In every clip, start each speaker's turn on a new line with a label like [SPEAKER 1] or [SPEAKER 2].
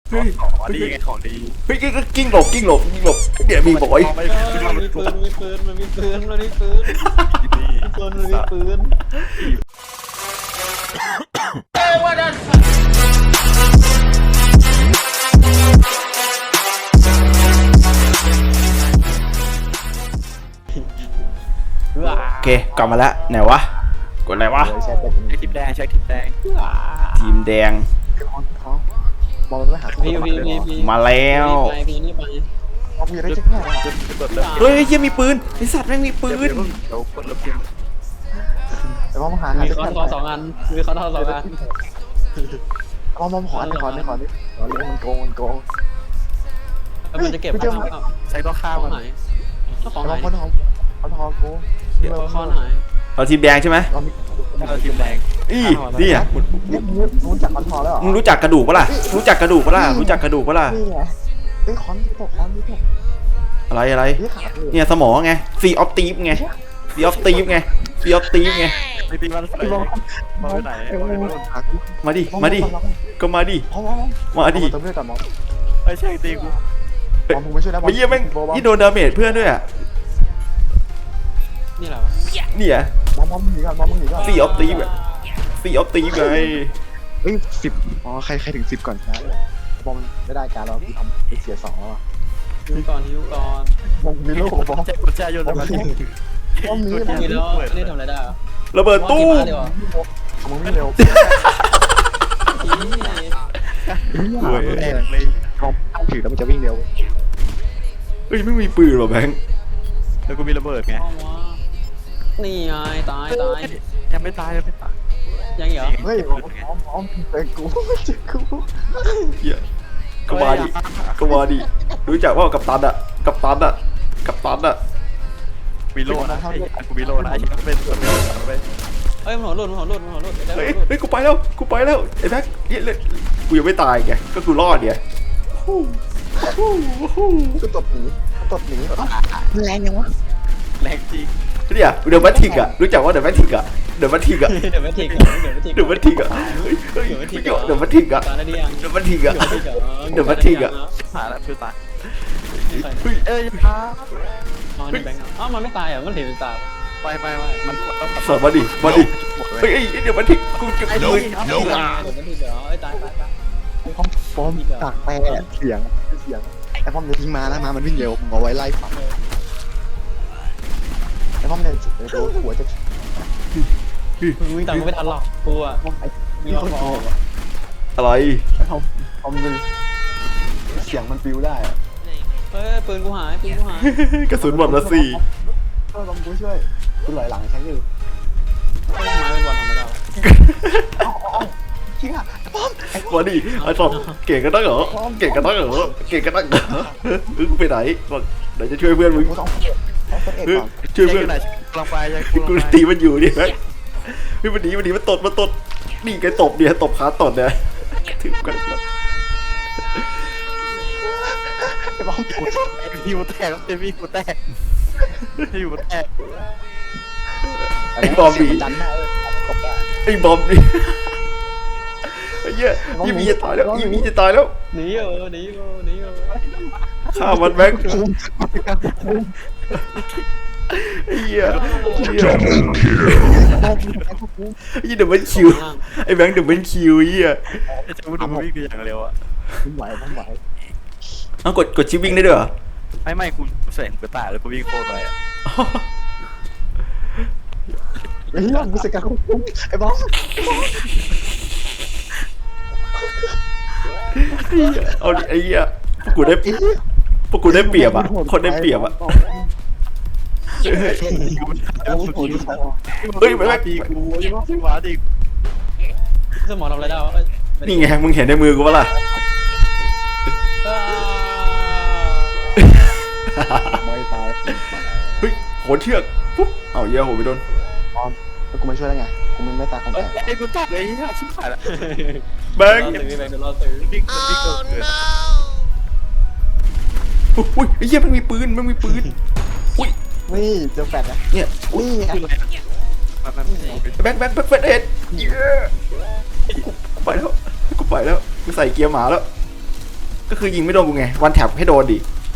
[SPEAKER 1] เฮ้ย
[SPEAKER 2] ของดีไงของดี
[SPEAKER 1] เฮ้ยกิ้งหลบเดี๋ยวมีบอย
[SPEAKER 2] ไม่
[SPEAKER 3] มันมีปืนมันมีปืนมันมีปืนมันมีปืน
[SPEAKER 2] ดี
[SPEAKER 3] มันมีปืน
[SPEAKER 1] โอเคกลับมาแล้วไหนวะกดอะไรวะ
[SPEAKER 2] ใช้ทิปแดงใช้ทิปแดง
[SPEAKER 1] ทีมแดง
[SPEAKER 4] เขามองไปหา
[SPEAKER 3] พี่
[SPEAKER 1] มาแล้ว
[SPEAKER 3] ไปพี่นี่ไป
[SPEAKER 4] เขามีอะไรเช็คแน่
[SPEAKER 2] จะเปิดเริ่ม
[SPEAKER 1] เฮ้ยเฮียมีปืนไอสัตว์แม่งมีปืน
[SPEAKER 2] เดี๋ยวเปิดเริ่มเกม
[SPEAKER 4] แต่ว่าหา
[SPEAKER 3] มี
[SPEAKER 4] เช็ค
[SPEAKER 3] คอ
[SPEAKER 4] แน่
[SPEAKER 3] นทอ2 อันมีคอนทอ2 อัน
[SPEAKER 4] มองขอมันโกง
[SPEAKER 3] มันจะเก็บ
[SPEAKER 2] ใช้ต้องฆ่า
[SPEAKER 3] ขอ
[SPEAKER 2] มั
[SPEAKER 3] ง
[SPEAKER 2] น
[SPEAKER 3] ไหนของไหน
[SPEAKER 4] เขาทองกู
[SPEAKER 3] คอนไหน
[SPEAKER 1] เราทีมแดงใช่ไหม
[SPEAKER 4] เรามี
[SPEAKER 2] ทิปแดง
[SPEAKER 1] อีนี่อ่ะ
[SPEAKER 4] รู้จักมันทอแล้ว
[SPEAKER 1] มึงรู้จักกระดูกปะล่ะรู้จักกระดูกปะล่ะรู้จักกระดูกปะล่ะ
[SPEAKER 4] นี่ไงไอ้คอนที่ตกคอนที่ตก
[SPEAKER 1] อะไร
[SPEAKER 4] นี่ขาดเลย
[SPEAKER 1] เนี่ยสมองไงซีออฟตีฟไงซีออฟตีฟไงซีออฟตีฟไง
[SPEAKER 2] ไม่ตีมันใส่มาไปไหน
[SPEAKER 1] มาดิก็มาดิ มาดิ
[SPEAKER 4] เติมเลือดก่อนมอง
[SPEAKER 2] ไม่ใช่ตีกู
[SPEAKER 4] มองมึงไม่ช่วยแล้ว
[SPEAKER 1] ไม่เยี่ยแม่งยี่โดนดาเมจเพื่อนด้วยอ่ะ
[SPEAKER 3] นี่แหละ
[SPEAKER 1] เนี่ย
[SPEAKER 4] มองมึงหนีก่อนมองมึงหนีก่อน
[SPEAKER 1] ซีออฟตีฟอะซีออฟตีฟไง
[SPEAKER 4] เฮ้ย10อ๋อใครถึง10ก่อนนะมองไม่ได้การเราที่ทำเสีย2แล้วอ่ะ
[SPEAKER 3] ฮิวก่อนฮิวก่อน
[SPEAKER 4] มองมีลูกมอง
[SPEAKER 2] แจ็คกุญแจโยนมา
[SPEAKER 4] มองมี
[SPEAKER 3] นี่แล้วนี่ทำอะไรได้
[SPEAKER 1] ระเบิดตู้
[SPEAKER 4] มึงวิ่งเร็ว
[SPEAKER 2] แรงเลย
[SPEAKER 4] มองถือแล้วมันจะวิ่งเร็ว
[SPEAKER 1] เฮ้ยไม่มีปืนหรอแบงค์
[SPEAKER 2] แล้วกูมีระเบิดไง
[SPEAKER 3] นี่ไงตาย
[SPEAKER 2] ยังไม่ตายยังไม่ตาย
[SPEAKER 3] ยังเหรอ
[SPEAKER 4] เฮ้ยมองเป็นกูเจอกู
[SPEAKER 1] เหี้ยก็มาดิก็มาดิรู้จักว่ากัปตันอะกัปตันอะกัปตันอะ
[SPEAKER 2] มีโล่นะกูมีโล่นะไอ้ที่เป็นส่วนไป
[SPEAKER 3] เอ้ยมันหัวหลุดมันหัวหลุดมันหัวหลุด
[SPEAKER 1] เฮ้ยกูไปแล้วไอ้แบ็คกูยังไม่ตายไงก็กูรอดเนี่ย
[SPEAKER 4] กูตบหนีแรงยังวะ
[SPEAKER 2] แรงจริง
[SPEAKER 1] เนี่ยเดอะแมทริกอะรู้จักว่าเดอะแมทริกอะเดอะแมทริกอะ
[SPEAKER 3] เดี๋ยวไม่ทิ้ง
[SPEAKER 1] เดอะแมทริกอะเฮ้ยเดอะแมทริกอะ
[SPEAKER 3] ตายแล้วดิยัง
[SPEAKER 1] เดอะแมทริกอะ
[SPEAKER 2] หาแล้วคือตาย
[SPEAKER 1] เฮ้ย
[SPEAKER 2] พา
[SPEAKER 3] อ๋อนี่แบงค์อ๋อมันไม่ตายเหรอมันเห็นเป็นตา
[SPEAKER 2] ไม่มันต้อง
[SPEAKER 1] สอบมาดิเฮ้ยเดอะแมทริกกูจะ
[SPEAKER 3] เดี๋ยวมันทิ้งเหรอเอ้ยตาย
[SPEAKER 4] ปอมตากแปรเสียงไอ้ปอมจะทิ้งมาแล้วมามันวิ่งเร็วมึงเอาไว้ไล่ฝังไอ้ปอมเนี่ยหัวจะ
[SPEAKER 3] วิ่งตามไม่ทันหรอกกูอ่ะมีคนบอก
[SPEAKER 1] อะไร
[SPEAKER 4] ไอ้ปอมดึงเสียงมันปิวได้
[SPEAKER 3] เฮ้ยปืนกูหาย
[SPEAKER 1] กระสุนหมดละสี่
[SPEAKER 4] ปอมกูช่วยกูลอยหลังใช้อยู่
[SPEAKER 3] ไม้เป็นบอลทำไม่ได้
[SPEAKER 4] จริงอ่ะปอม
[SPEAKER 1] มาดิไอ้ตอบเก่งกันตั้งเหรอเก่งกันตั้งเหรอไปไหนเดี๋ยวจะช่วยเพื่อนมึง
[SPEAKER 4] กูต้องเอ็ดก่อน
[SPEAKER 1] ช่วยเพื่อน
[SPEAKER 2] ไหนกำลังไปยัง
[SPEAKER 1] กูตีมันอยู่ดิแม็กเฮ้ยมันดีมันตดนี่ไงตบเนี่ยตบขาตดเนี่ยถือกัน
[SPEAKER 4] ไอ้ปอม
[SPEAKER 2] ฮิวแตกเต็มที่กูแตกฮิวแตก
[SPEAKER 1] ไอ้บอมดี
[SPEAKER 4] ดันได้กบได้
[SPEAKER 1] ไอ้บอมดิไอ้เหี้ยยี่มีจะตายแล้วยี่มีจะตายแล้ว
[SPEAKER 3] หนีเออ
[SPEAKER 1] ฆ่ามันแม็กไอ้เหี้ยยี่เดี๋ยวมันคิวไอ้แบงค์เดี๋ยวมันคิวเหี้ย
[SPEAKER 2] จะมาดูวิ่งอย่างเร็วอ่ะ
[SPEAKER 4] ผมไหว
[SPEAKER 1] เอากดชิปวิ่งได้ด้วยเหรอ
[SPEAKER 2] ไม่กูใส่กูตายแล้วกูวิ่งโคตรไปอ่ะ
[SPEAKER 4] ไอ้เรื่องกูเสกการคุ้มไอ้บอม
[SPEAKER 1] เอาดิไอ้เหี้ยพวกกูได้เปรียบอ่ะคนได้เปรียบอ่ะเฮ้ยแม็ก
[SPEAKER 2] ตีกูชิวาดิ
[SPEAKER 3] สมองทำอะไรได้วะ
[SPEAKER 1] นี่ไงมึงเห็นในมือกูปะล่ะ
[SPEAKER 4] ไม่ตาย
[SPEAKER 1] เฮ้ยโหนเชือกปุ๊บเอาเหี้ยโหไปโดน
[SPEAKER 4] บอมแล้วกูมาช่วยได้ไงกูไม่ตายของแก
[SPEAKER 2] ไอ้กูตายเลยชิบหายละ
[SPEAKER 1] แบงค์
[SPEAKER 3] รอซื้อ
[SPEAKER 2] วิ่งวิ่งเกิน
[SPEAKER 1] อุ้ยไอ้เหี้ยมันมีปืนอุ้ย
[SPEAKER 4] นี่เจอแฟดนะ
[SPEAKER 1] เนี่ย
[SPEAKER 4] นี่ไง
[SPEAKER 1] แบงค์เอ็ดกูไปแล้วกูใส่เกียร์หมาแล้วก็คือยิงไม่โดนกูไงวันแท็บให้โดนดิ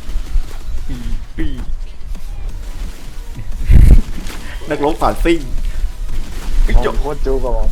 [SPEAKER 1] นักรบผ่านซิ่ง
[SPEAKER 4] จบโคตรจูบอม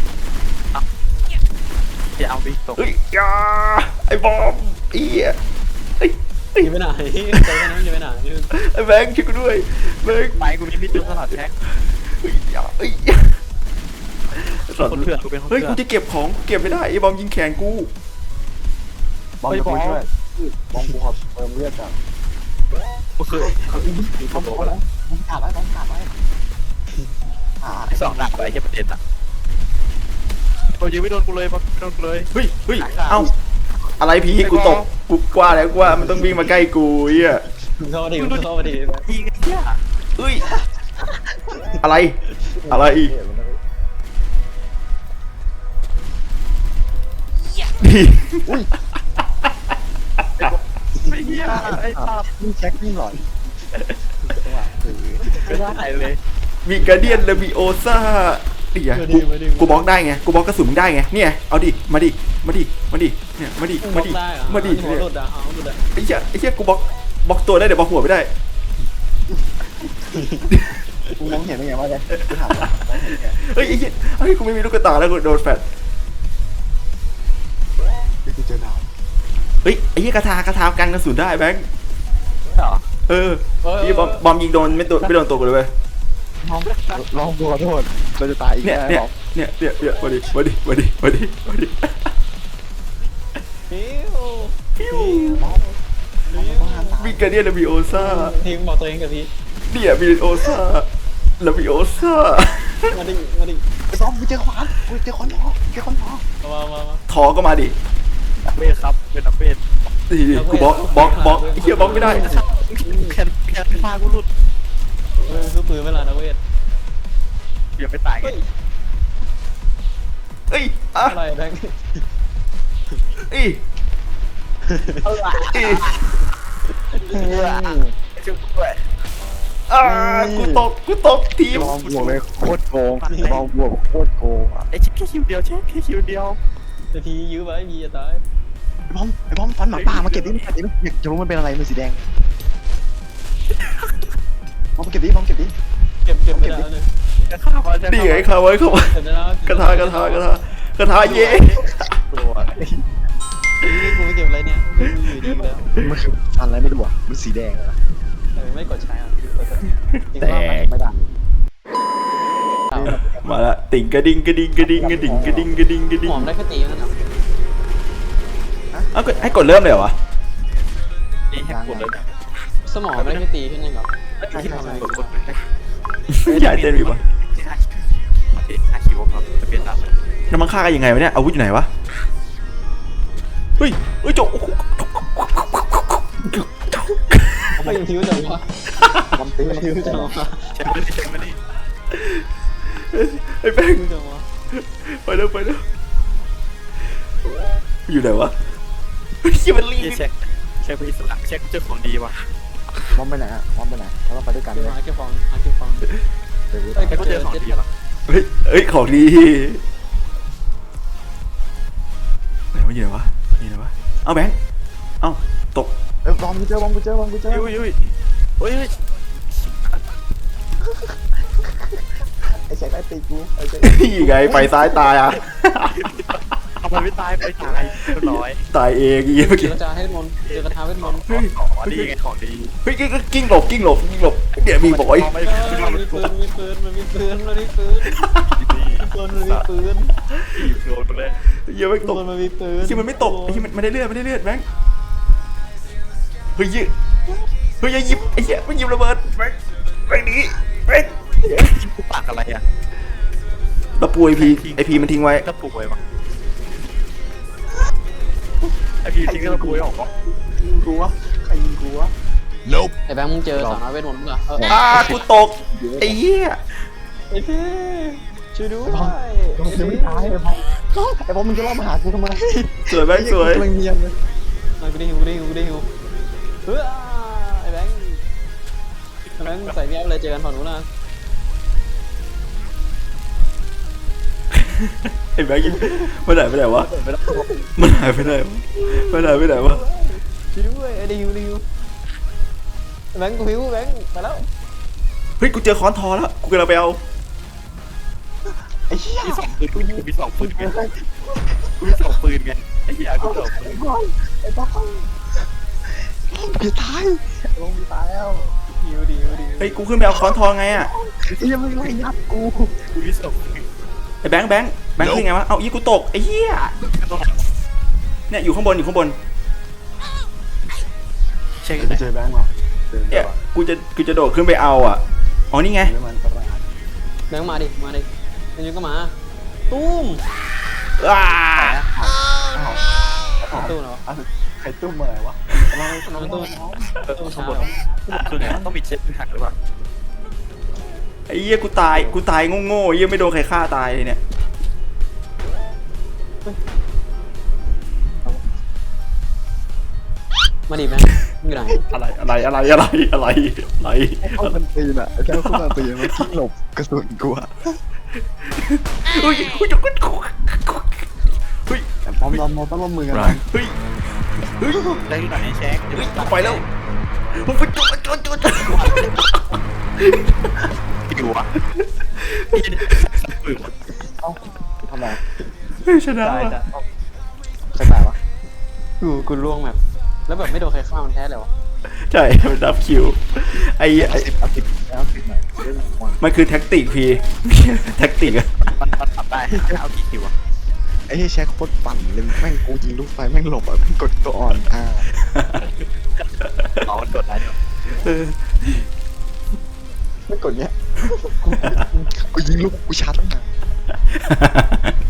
[SPEAKER 2] อย่าเอาดิตก
[SPEAKER 1] เฮ้ยอยาไอ้บอมไอ้เหี้ยเฮ้ย
[SPEAKER 3] จะไปไหนเจอแค่นั้นจะไปไหน
[SPEAKER 1] ไอ้แบงค์ช่วยกูด้วยแบงค์
[SPEAKER 2] ไปกูมีมิดจุดตลอดแท็ก
[SPEAKER 1] เฮ้ยอย่าเฮ้ยสัตว์
[SPEAKER 2] คนเถื่อนกูเป็นคน
[SPEAKER 1] เฮ้ย
[SPEAKER 2] เถื่
[SPEAKER 1] กู
[SPEAKER 2] อน
[SPEAKER 1] จะเก็บของกูเก็บไม่ได้ไอ้บอมยิงแขนกู
[SPEAKER 4] บอมจะช่วยบอมกูขอเติมเลือดก่อน
[SPEAKER 2] กูคือ
[SPEAKER 4] บอมขาดไว้บอมขาดไว้
[SPEAKER 2] สองหนักไปแค่ประเด็นอ่ะโอ้ยไม่โดนกูเลยไม่โดนกูเลย
[SPEAKER 1] เฮ้ยเอ้าอะไรพี่กูตกกูกว่าแล้วกูว่ามันต้องวิ่งมาใกล้กูเหี้ย
[SPEAKER 3] มึงเข้ามาดิมึงเข้ามาดิ
[SPEAKER 2] ยิงไอ้เหี้ย
[SPEAKER 1] เฮ้ยอะไรดี
[SPEAKER 2] ไอ้เหี้ยไอ้ภาพ
[SPEAKER 4] นี่แจ็คนี่หล่อน
[SPEAKER 2] ไม่ได้เลย
[SPEAKER 1] มีการเดียนเลวิโอซ่าเดี๋ยวกูบล็อกได้ไงกูบล็อกกระสุนมึงได้ไงเนี่ยเอาดิมาดิเนี่ยมาดิ
[SPEAKER 3] บล็อกได้เหรอ
[SPEAKER 1] มาดิ
[SPEAKER 3] หัวหลุดอ่ะเอาหลุดอ่ะ
[SPEAKER 1] ไอ้เหี้ยกูบล็อกตัวได้เดี๋ยวบล็อกหัวไม่ได้
[SPEAKER 4] กูมองเห็นได้ไงวะเนี่ยกูถามว่ามองเห็นไง
[SPEAKER 1] เฮ้ยไอ้เหี้ยเฮ้ยกูไม่มีลูกกระตาแล้วกูโดนแฟด
[SPEAKER 4] กูเจอหนาว
[SPEAKER 1] เฮ้ยไอ้เหี้ยกระทากันกระสุนได้แบงค์
[SPEAKER 2] เหรอ
[SPEAKER 1] เออพี่บอมยิงโดนไม่โดนตัวกูเลยเว้ย
[SPEAKER 4] ลองกูขอโทษเราจะตายอีก
[SPEAKER 1] เนี่ย
[SPEAKER 4] แล้ว
[SPEAKER 1] มาดิ
[SPEAKER 3] ฟิว
[SPEAKER 1] มีการเดียนเลวิโอซ่า
[SPEAKER 3] ทีมบอกตัวเองกับพี่
[SPEAKER 1] เนี่ยมีโอซ่าเลวิโอซ่า
[SPEAKER 3] มาดิ
[SPEAKER 4] ไอ้บอมกูเจอขวานกูเจอคอนทอ
[SPEAKER 3] มา
[SPEAKER 1] ทอก็มาดิ
[SPEAKER 2] นักเวทครับเป็นนักเวท
[SPEAKER 1] นี่กูบล็อกไอ้เหี้ยบล็อกไม่ได้
[SPEAKER 2] แคนพากูหลุด
[SPEAKER 3] ซื้อปืนไม่ล่ะนักเวท
[SPEAKER 2] อย่าไปตายไง
[SPEAKER 1] เอ้ยอ่ะ
[SPEAKER 3] อะไรแบงค์
[SPEAKER 1] เอ้ย
[SPEAKER 2] ช่วยด้วย
[SPEAKER 1] กูตกทีม
[SPEAKER 4] บอมบวกเลยโคตรโกงบอมบวกโคตรโกงอ่ะ
[SPEAKER 2] ไอ้เช็คแค่คิวเดียวแค่คิวเดียว
[SPEAKER 3] แต่ทียื้อไว้มีจะตาย
[SPEAKER 4] ไอ้บอมฟันหมาป่ามาเก็บดิอยากจะรู้มันเป็นอะไรมันสีแดงบอมเก็บดิ
[SPEAKER 3] เก็บไม่ได้เลย
[SPEAKER 2] จะฆ่ามันจะ
[SPEAKER 1] นี่ไงเข้าไว้
[SPEAKER 3] เก็บได้แล้ว
[SPEAKER 1] กระทาเย่
[SPEAKER 2] ตัว
[SPEAKER 3] นี่กูไม่เก็บอะไรเนี่ยกูอยู่ดีแล้ว
[SPEAKER 4] มันคือฟันอะไรไม่รู้อ่ะมันสีแดงอ่ะ
[SPEAKER 3] ไม่กดใช้อ่ะ
[SPEAKER 1] แตก
[SPEAKER 4] ไม่ได้
[SPEAKER 1] มาละติ่งกระดิ่ง
[SPEAKER 3] หอมได้แค่ตีนั่นเหรอ
[SPEAKER 1] เอ้าให้กดเริ่มเลยเหรอวะ
[SPEAKER 2] นี่ให้กดเลย
[SPEAKER 3] สมองได้แค่ตีแค่นั้นเหรอ
[SPEAKER 2] ที่ทำอะไรกด
[SPEAKER 1] อยากเต้นอีกวะ
[SPEAKER 2] ห้าคิวครับจะเป็นแบบ
[SPEAKER 1] น้ำมันฆ่ากันยังไงวะเนี่ยอาวุธอยู่ไหนวะเฮ้ยโจ
[SPEAKER 3] ไม่ยังทิ้วจังวะ
[SPEAKER 4] บอมตี
[SPEAKER 3] ทิ้วจังวะ
[SPEAKER 2] เช็คไม่ได้
[SPEAKER 1] ไอ้แป้ง
[SPEAKER 3] ทิ้วจังวะ
[SPEAKER 1] ไปแล้วอยู่ไหนวะเฮ้ยมันรีบ
[SPEAKER 2] เช็คไปอิสระเช็คเจ้าของดีว่ะ
[SPEAKER 4] บอมไปไหนอ่ะบอมไปไหนเราต้องไปด้วยกัน
[SPEAKER 3] เก็บ
[SPEAKER 4] เลย
[SPEAKER 3] เก็บฟองเก็บฟอง
[SPEAKER 4] เดี๋ยว
[SPEAKER 2] เช็คเจอของดีว่ะ
[SPEAKER 1] เฮ้ยของดีไหนวะอยู่ไหนวะเอาแบงค์เอาตก
[SPEAKER 4] บอมกูเจอบอมกูเจอ
[SPEAKER 2] ยุ้ย
[SPEAKER 4] ไอ้แจ็คไอ้ตีกูไอ้แจ็ค
[SPEAKER 1] นี่ไงไปซ้ายตายอ่ะ
[SPEAKER 2] ทำไมไม่ตายไปตายร้อย
[SPEAKER 1] ตายเองอีเมื่อ
[SPEAKER 3] เจ
[SPEAKER 1] กี้
[SPEAKER 3] อกระจาให้มนเจอกระทาเวทมนต์
[SPEAKER 2] ของดีไงของดี
[SPEAKER 1] เฮ้ยกิ้งหลบเดี๋ยวมีบอย
[SPEAKER 2] ไม่
[SPEAKER 3] มันมีปืนมันมีปืนมันมีปืนมันมีปืนมันมีปืน
[SPEAKER 2] โดนไปเลย
[SPEAKER 1] เหี้ยไม่ตก
[SPEAKER 3] มันมีปืน
[SPEAKER 1] ที่มันไม่ตกไอ้ที่มันได้เลือดแบงค์เฮ้ยอย่าหยิบไอ้เหี้ยมันหยิบระเบิดแบงค์นี้แบงค์
[SPEAKER 2] กูปากอะไรอ่ะ
[SPEAKER 1] ตะปูไอพีมันทิ้งไว้
[SPEAKER 2] กระปุกไว้ปะไอพีทิ้งกระปุกไว้ออกปะ
[SPEAKER 4] กูวะใครยิงกูวะ
[SPEAKER 3] ไอ้แบงค์มึงเจอสาวน้อยเวทมนต์มั้งเหรอ
[SPEAKER 1] กูตกไอ้เหี้ย
[SPEAKER 3] ไอ้พี่ช่วยด้วย
[SPEAKER 4] บอมยังไม่ตายไอ้บอมมึงจะล่อมาหากูทำไม
[SPEAKER 1] สวยแบงค์สวย
[SPEAKER 4] กูเงียบเลย
[SPEAKER 3] กูได้หิวเฮ้ยไอ้แบงค์ใส่แมสเลยเจอกันฝั่งนู้นนะ
[SPEAKER 1] ไอ้แบงค์มันหายไปไหนวะ
[SPEAKER 2] ไม่ต้อง
[SPEAKER 1] มันหายไปไหนวะมันหายไปไหนวะ
[SPEAKER 3] ช่วยด้วยไอ้ดิวแบงค์กูหิวแบงค์มาแล้ว
[SPEAKER 1] เฮ้ยกูเจอค้อนทอแล้วกูกำลังไปเอา
[SPEAKER 4] ไอ้เหี้ย
[SPEAKER 2] มีสองปืนกูมีสองปืนไงกูมีสองปืนไงไอ้เหี้ยกูสองปืน
[SPEAKER 4] ไอ้บ้าจะตาย
[SPEAKER 3] ลงตายแล้วดิว
[SPEAKER 1] เฮ้ยกูขึ้นไปเอาค้อนทอไงอะ
[SPEAKER 4] ไอ้ยังไม่ไล่ยัดกู
[SPEAKER 2] กูมีสองปืน
[SPEAKER 1] ไอ้แบงค์ขึ้นไงวะเอายี่กูตกไอ้เหี้ยเนี่ยอยู่ข้างบน
[SPEAKER 2] ใช่
[SPEAKER 4] ไปเจอแบงค์มาเจอ
[SPEAKER 1] เนี่ยกูจะโดดขึ้นไปเอาอ่ะอ๋อนี่ไง
[SPEAKER 4] มันประหลาด
[SPEAKER 3] แบงค์มาดิมันยังก็มาตุ้ม
[SPEAKER 1] อ้า
[SPEAKER 3] ตู้เหรอ
[SPEAKER 4] ใครตุ้มอะไรวะ
[SPEAKER 3] น้องตู้
[SPEAKER 2] ข้างบนคือไงต้องมีเช็ดหักหรือเปล่า
[SPEAKER 1] ไอ้เหี้ยกูตายโง่ๆไอ้เหี้ยไม่โดนใครฆ่าตายเลยเนี่ย
[SPEAKER 3] มาดิแบงค์อยู่ไหน
[SPEAKER 1] อะไร
[SPEAKER 4] เข้ามันตีนอ่ะไอ้เจ้าเข้ามันตีนมันทิ้งหลบกระสุนกูอ่ะ
[SPEAKER 1] เฮ้ย
[SPEAKER 4] แต่พร้อมรอมต้องร่วมมือกัน
[SPEAKER 1] เฮ้ย
[SPEAKER 2] ได้ที่ไหนแช็ค
[SPEAKER 1] ไปแล้วผมไปจุด
[SPEAKER 2] อยู่อ่ะพี่เนี่ยสับปืน
[SPEAKER 4] ทำไม
[SPEAKER 1] ชนะ
[SPEAKER 3] ตาย
[SPEAKER 1] ว่ะ
[SPEAKER 3] จ้ะ
[SPEAKER 4] ใครตายวะ
[SPEAKER 3] กูล่วงแบบแล้วแบบไม่โดนใครฆ่ามันแท้เลยวะ
[SPEAKER 1] ใช่มันดับคิวไอ้
[SPEAKER 4] เอาสิบหน่อยเรื่องวัน
[SPEAKER 1] มันคือแท็กติกพี่แท็กติกอะ
[SPEAKER 2] มันปรับได้เอากี่คิวอ่ะ
[SPEAKER 4] ไอ้เหี้ยแช็คโคตรปั่นเลยแม่งกูยิงลูกไฟแม่งหลบอ่ะแม่งกดตัวอ่อน
[SPEAKER 2] อ๋อมันกดได้ด้วย
[SPEAKER 4] ไม่กดเนี้ยกูยิงลูกกูชาร์จตั้งนาน